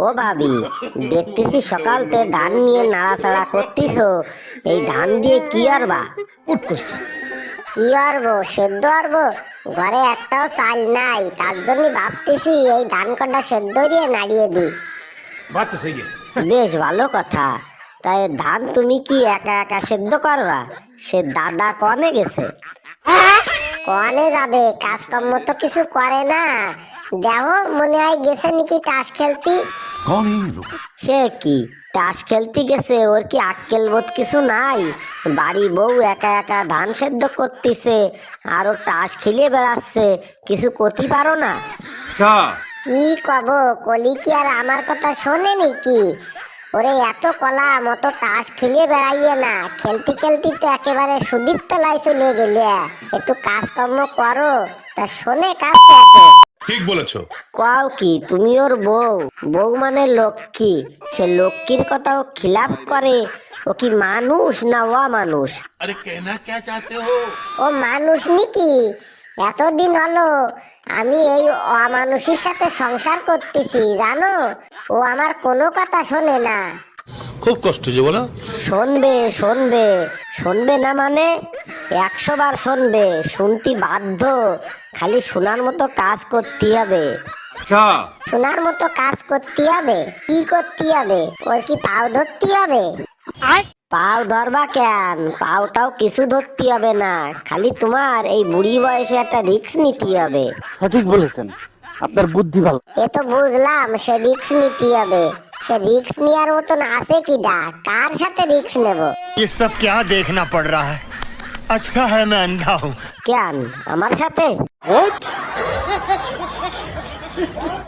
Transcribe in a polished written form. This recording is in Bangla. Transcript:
ও ভাবি, দেখতেছি সকালতে ধান নিয়ে নাড়াচাড়া করতিছো, এই ধান দিয়ে কি আরবা? Good question. কি আরবো? সেদ্ধ আরবো? ঘরে একটাও চাল নাই, তার জন্য ভাবতেছি এই ধান কটা সেদ্ধ দিয়ে নাড়িয়ে দিই। বাত তো সহি বেশ ভালো কথা। তাই ধান তুমি কি একা একা সেদ্ধ করবা? সে দাদা কনে গেছে? কনে যাবে, কাজকর্ম তো কিছু করে না। দেখো, মনে হয় গেছে নাকি তাস খেলতি। कौन है ये लोग? সে কি তাস খেলতে গেছে? ওর কি আক্কেল বোধ কিছু নাই? বাড়ি বউ একা একা ধান সেদ্ধ করতেছে আর ও তাস খেলিয়ে বেড়াচ্ছে, কিছু করতে পারো না? अच्छा কি কব, কলি কি আর আমার কথা শোনে নাকি? ওরে এত কলা মতো তাস খেলিয়ে বেড়াইয়ে না, খেলতে খেলতে তো একেবারে সুদীর তলায় চলে গেলে। একটু কাজকর্ম করো, তা শোনে কাজ একে। ठीक বলেছো। কও কি তুমি ওর বউ? বউ মানে লক্ষ্মী, সে লক্ষ্মীর কথা ও খিলাপ করে? ও কি মানুষ না মানুষ? अरे कहना क्या चाहते हो? ও মানুষ নাকি? এতদিন হলো আমি এই অমানুষের সাথে সংসার করতেছি, জানো? ও আমার কোনো কথা শোনে না। খুব কষ্ট যে বলো। শুনবে শুনবে শুনবে না মানে 100 বার শুনবে, শুনতে বাধ্য। খালি শোনার মতো কাজ করতে হবে। अच्छा শোনার মতো কাজ করতে হবে? কি করতে হবে? ওর কি পাও ধরতে হবে? পাও ধরবা কেন? পাওটাও কিছু ধরতে হবে না, খালি তোমার এই বুড়ি বয়সে একটা রিস্ক নিতে হবে। সঠিক বলেছেন, আপনার বুদ্ধি ভালো। এ তো বুঝলাম, সে রিস্ক নিতে হবে। সে রিস্ক নেওয়ার মতন আছে কি ডা? কার সাথে রিস্ক নেব? ये सब क्या देखना पड़ रहा है? अच्छा है मैं अंधा हूँ। কেন আমার সাথে?